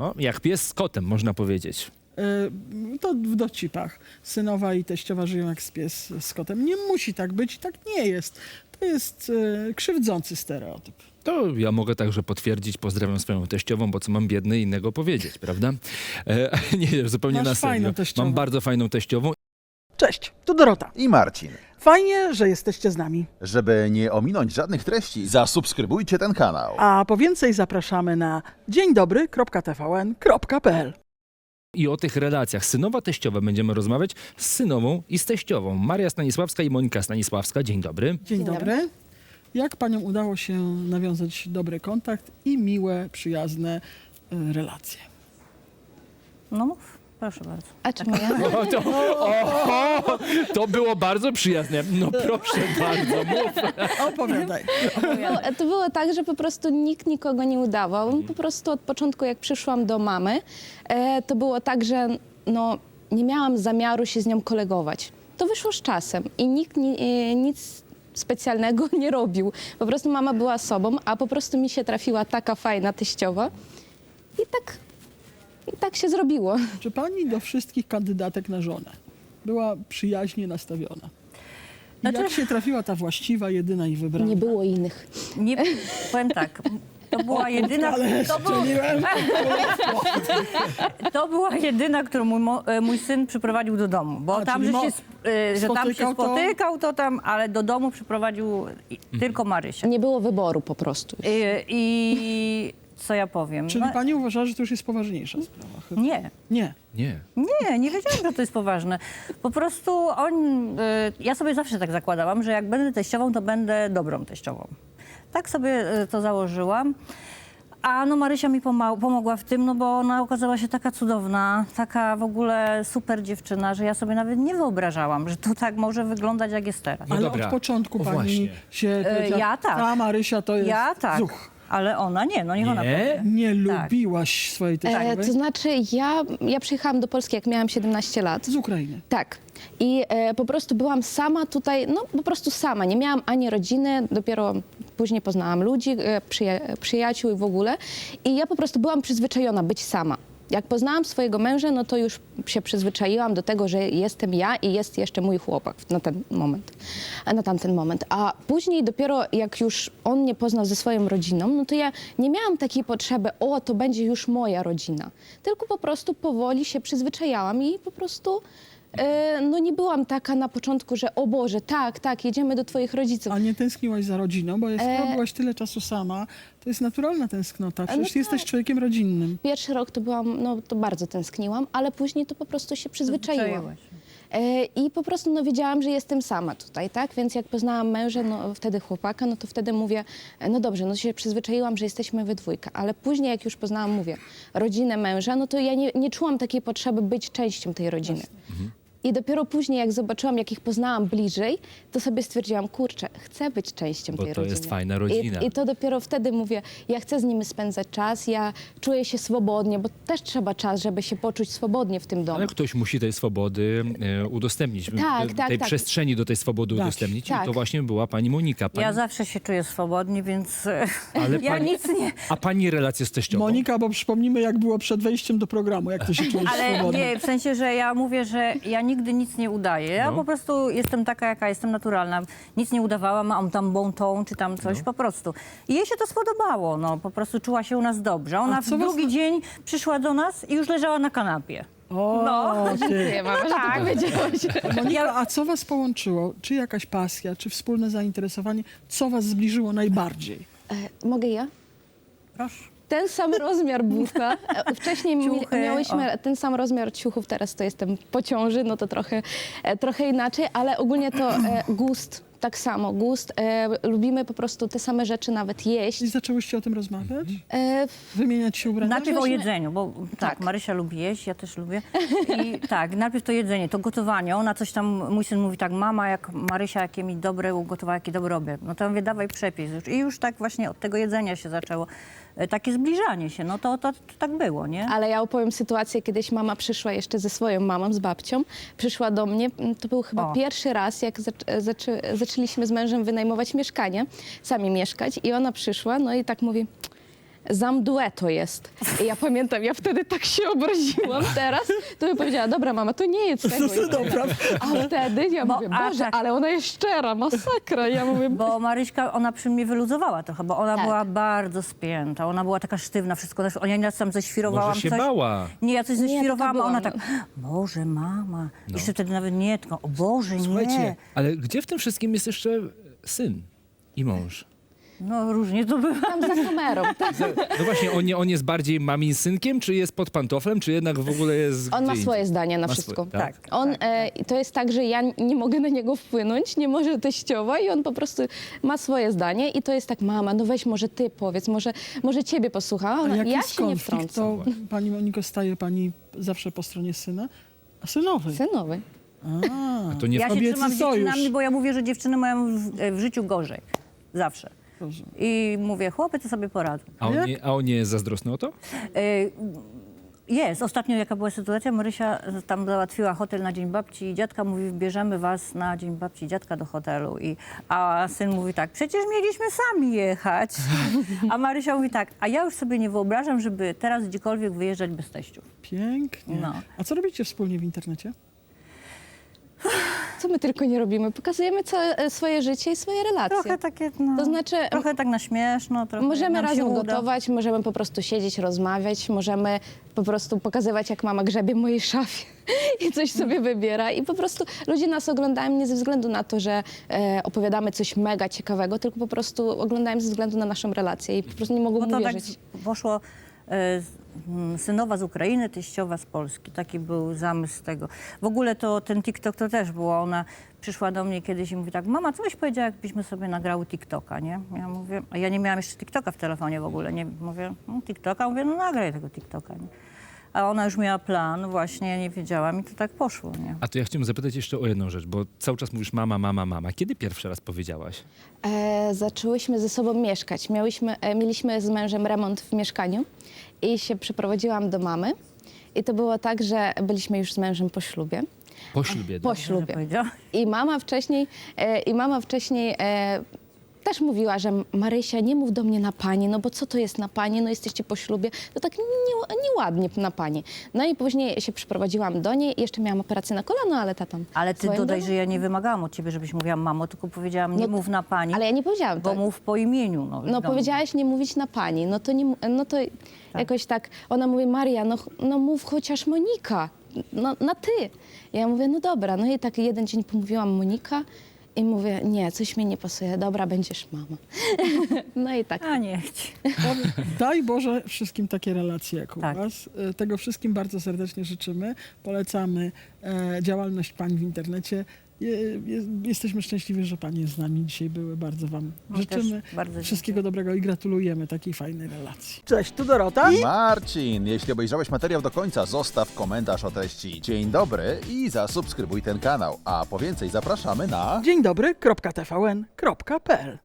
No, jak pies z kotem, można powiedzieć. To w dowcipach. Synowa i teściowa żyją jak pies z kotem. Nie musi tak być i tak nie jest. To jest krzywdzący stereotyp. To ja mogę także potwierdzić, pozdrawiam swoją teściową, bo co mam biedny innego powiedzieć, prawda? Nie, zupełnie Masz na serio. fajną teściową. Mam bardzo fajną teściową. Cześć, tu Dorota. I Marcin. Fajnie, że jesteście z nami. Żeby nie ominąć żadnych treści, zasubskrybujcie ten kanał. A po więcej zapraszamy na dzieńdobry.tvn.pl. I o tych relacjach synowa-teściowa będziemy rozmawiać z synową i z teściową. Maria Stanisławska i Monika Stanisławska. Dzień dobry. Dzień dobry. Jak paniom udało się nawiązać dobry kontakt i miłe, przyjazne relacje? No mów, proszę bardzo. A czemu ja? To było bardzo przyjazne. No proszę bardzo, mów. Opowiadaj. To było tak, że po prostu nikt nikogo nie udawał. Po prostu od początku, jak przyszłam do mamy, to było tak, że no, nie miałam zamiaru się z nią kolegować. To wyszło z czasem i nikt nic specjalnego nie robił. Po prostu mama była sobą, a po prostu mi się trafiła taka fajna teściowa i tak się zrobiło. Czy pani do wszystkich kandydatek na żonę była przyjaźnie nastawiona? I jak się trafiła ta właściwa, jedyna i wybrana? Nie było innych. Nie, powiem tak, to była jedyna, Ale strzeliłem. to była jedyna, którą mój syn przyprowadził do domu, bo A, tam, czyli że tam się spotykał to- spotykał, to tam, ale do domu przyprowadził tylko Marysię. Nie było wyboru po prostu. I co ja powiem? Czyli No, pani uważa, że to już jest poważniejsza sprawa? Chyba. nie. Nie. Nie. Nie wiedziałam, że to jest poważne. Po prostu ja sobie zawsze tak zakładałam, że jak będę teściową, to będę dobrą teściową. Tak sobie to założyłam. A no Marysia mi pomogła w tym, no bo ona okazała się taka cudowna, taka w ogóle super dziewczyna, że ja sobie nawet nie wyobrażałam, że to tak może wyglądać, jak jest teraz. No Ale dobra. od początku O, pani właśnie. się powiedziała, ja tak. ta Marysia to jest Ja tak, zuch. ale ona nie, no niech ona Nie? powie. Nie Tak. lubiłaś swojej teściowej? To znaczy, ja przyjechałam do Polski, jak miałam 17 lat. Z Ukrainy. Tak. I po prostu byłam sama tutaj, no po prostu sama. Nie miałam ani rodziny, dopiero później poznałam ludzi, przyjaciół i w ogóle. I ja po prostu byłam przyzwyczajona być sama. Jak poznałam swojego męża, no to już się przyzwyczaiłam do tego, że jestem ja i jest jeszcze mój chłopak na ten moment, na tamten moment. A później dopiero jak już on mnie poznał ze swoją rodziną, no to ja nie miałam takiej potrzeby, o, to będzie już moja rodzina. Tylko po prostu powoli się przyzwyczajałam i po prostu no nie byłam taka na początku, że o Boże, tak, jedziemy do twoich rodziców. A nie tęskniłaś za rodziną, bo skoro byłaś tyle czasu sama, to jest naturalna tęsknota. Przecież tak. jesteś człowiekiem rodzinnym. Pierwszy rok to byłam, no to bardzo tęskniłam, ale później to po prostu się przyzwyczaiłam. Przyzwyczaiłaś. I po prostu no, wiedziałam, że jestem sama tutaj, tak? Więc jak poznałam męża, no wtedy chłopaka, no to wtedy mówię, no dobrze, no się przyzwyczaiłam, że jesteśmy we dwójkę. Ale później jak już poznałam, mówię, rodzinę męża, no to ja nie czułam takiej potrzeby być częścią tej rodziny. I dopiero później, jak zobaczyłam, jak ich poznałam bliżej, to sobie stwierdziłam, kurczę, chcę być częścią Bo tej to rodziny. jest fajna rodzina. I to dopiero wtedy mówię, ja chcę z nimi spędzać czas, ja czuję się swobodnie, bo też trzeba czas, żeby się poczuć swobodnie w tym domu. Ale ktoś musi tej swobody udostępnić. Tak, tej tak. przestrzeni do tej swobody Tak, udostępnić. tak. I to właśnie była pani Monika. Ja zawsze się czuję swobodnie, więc Ale ja pani- nic nie... A pani relacje z teściową? Monika, bo przypomnimy, jak było przed wejściem do programu, jak ty się czujesz Ale swobodnie. nie, w sensie, że ja mówię, że ja nigdy nic nie udaję. Ja No. po prostu jestem taka, jaka jestem, naturalna. Nic nie udawałam, mam tam bon ton, czy tam coś, po prostu. I jej się to spodobało, no. Po prostu czuła się u nas dobrze. Ona w co was- drugi dzień przyszła do nas i już leżała na kanapie. O, No. ty. Dziękuję, mama, że tak. to powiedziałaś. Monika, a co was połączyło? Czy jakaś pasja, czy wspólne zainteresowanie? Co was zbliżyło najbardziej? Mogę ja? Proszę. Ten sam rozmiar buta. Wcześniej Ciuchy, miałyśmy ten sam rozmiar ciuchów, teraz to jestem po ciąży, no to trochę inaczej, ale ogólnie to gust, tak samo, gust. Lubimy po prostu te same rzeczy nawet jeść. I zaczęłyście o tym rozmawiać? E, Wymieniać się ubraniami? Najpierw o Zaczęłyśmy- jedzeniu, bo tak, Marysia lubi jeść, ja też lubię. I tak, najpierw to jedzenie, to gotowanie. Ona coś tam, mój syn mówi tak, mama, jak Marysia, jakie mi dobre ugotowała, jaki dobry obiad. No to ja mówię, dawaj przepis już. I już tak właśnie od tego jedzenia się zaczęło. Takie zbliżanie się, no to tak było, nie? Ale ja opowiem sytuację, kiedyś mama przyszła jeszcze ze swoją mamą, z babcią, przyszła do mnie, to był chyba O. pierwszy raz, jak zaczęliśmy z mężem wynajmować mieszkanie, sami mieszkać i ona przyszła, no i tak mówi, Zamdue to jest. I ja pamiętam, ja wtedy tak się obraziłam teraz, to bym powiedziała, dobra mama, to nie jest tego. Dobra. A wtedy ja mówię, a Boże, tak. ale ona jest szczera, masakra. Ja mówię, Bo Maryśka, ona przy mnie wyluzowała trochę, bo ona Tak. była bardzo spięta, ona była taka sztywna, wszystko. Ja nieraz tam ześwirowałam Może się coś. bała. Nie, ja coś Nie, ześwirowałam, a taka ona była, tak, Boże, mama. Jeszcze wtedy nawet nie, tylko, o Boże, Słuchajcie, nie. ale gdzie w tym wszystkim jest jeszcze syn i mąż? No różnie to bywa. tam za kamerą. No właśnie, on jest bardziej mamin synkiem, czy jest pod pantoflem, czy jednak w ogóle jest On gdzie ma indziej? swoje zdanie na Ma wszystko. swoje, tak? On, to jest tak, że ja nie mogę na niego wpłynąć, nie może teściowa i on po prostu ma swoje zdanie i to jest tak, mama, no weź może ty powiedz, może ciebie posłucha. A A Ona, jak ja jest się nie konflikt, wtrącam. to pani Moniko, staje pani zawsze po stronie syna? A synowej? Synowy. A, To nie Ja się Kobiecy trzymam z sojusz. dziewczynami, bo ja mówię, że dziewczyny mają w życiu gorzej. Zawsze. rozumiem. I mówię, chłopy to sobie poradzą. A on nie jest zazdrosny o to? Jest. Ostatnio jaka była sytuacja, Marysia tam załatwiła hotel na Dzień Babci i dziadka mówi, bierzemy was na Dzień Babci i dziadka do hotelu. A syn mówi tak, przecież mieliśmy sami jechać. A Marysia mówi tak, a ja już sobie nie wyobrażam, żeby teraz gdziekolwiek wyjeżdżać bez teściów. Pięknie. No. A co robicie wspólnie w internecie? Co my tylko nie robimy? Pokazujemy całe swoje życie i swoje relacje. Trochę takie, no, To znaczy, trochę tak na śmieszno. Trochę możemy nam się razem uda. gotować, możemy po prostu siedzieć, rozmawiać, możemy po prostu pokazywać, jak mama grzebie w mojej szafie i coś sobie wybiera. I po prostu ludzie nas oglądają nie ze względu na to, że opowiadamy coś mega ciekawego, tylko po prostu oglądają ze względu na naszą relację i po prostu nie mogą Bo mu to tak wierzyć. poszło synowa z Ukrainy, teściowa z Polski. Taki był zamysł tego. W ogóle to ten TikTok to też było. Ona przyszła do mnie kiedyś i mówi tak, mama, co byś powiedziała, jakbyśmy sobie nagrały TikToka, nie? Ja mówię, a ja nie miałam jeszcze TikToka w telefonie w ogóle, nie? Mówię, TikToka? Mówię, no nagraj tego TikToka, nie? A ona już miała plan, właśnie, ja nie wiedziałam i to tak poszło, nie? A to ja chciałem zapytać jeszcze o jedną rzecz, bo cały czas mówisz mama, mama, mama. Kiedy pierwszy raz powiedziałaś? Zaczęłyśmy ze sobą mieszkać. Mieliśmy z mężem remont w mieszkaniu i się przeprowadziłam do mamy. I to było tak, że byliśmy już z mężem po ślubie. Po ślubie. Po Że ślubie. powiedziała. I mama wcześniej też mówiła, że Marysia, nie mów do mnie na pani, no bo co to jest na pani, no jesteście po ślubie, to tak nieładnie na pani. No i później się przyprowadziłam do niej i jeszcze miałam operację na kolano, ale ta tam... Ale ty swoim dodaj, domu. że ja nie wymagałam od ciebie, żebyś mówiła mamo, tylko powiedziałam, nie No, mów na pani, Ale ja nie powiedziałam bo tak. mów po imieniu. No, No wiadomo. powiedziałaś nie mówić na pani, no to, jakoś tak, ona mówi, Maria, no mów chociaż Monika, no na ty. Ja mówię, no dobra, no i tak jeden dzień pomówiłam Monika i mówię, nie, coś mi nie pasuje, dobra, będziesz mama. No i tak. A nie chcę. Daj Boże wszystkim takie relacje jak u Tak. was. Tego wszystkim bardzo serdecznie życzymy. Polecamy działalność pań w internecie. Jesteśmy szczęśliwi, że panie z nami dzisiaj były. Bardzo wam No, życzymy też bardzo wszystkiego dobrego i gratulujemy takiej fajnej relacji. Cześć, tu Dorota. Marcin, jeśli obejrzałeś materiał do końca, zostaw komentarz o treści. Dzień dobry i zasubskrybuj ten kanał. A po więcej zapraszamy na... Dzień dobry, .tvn.pl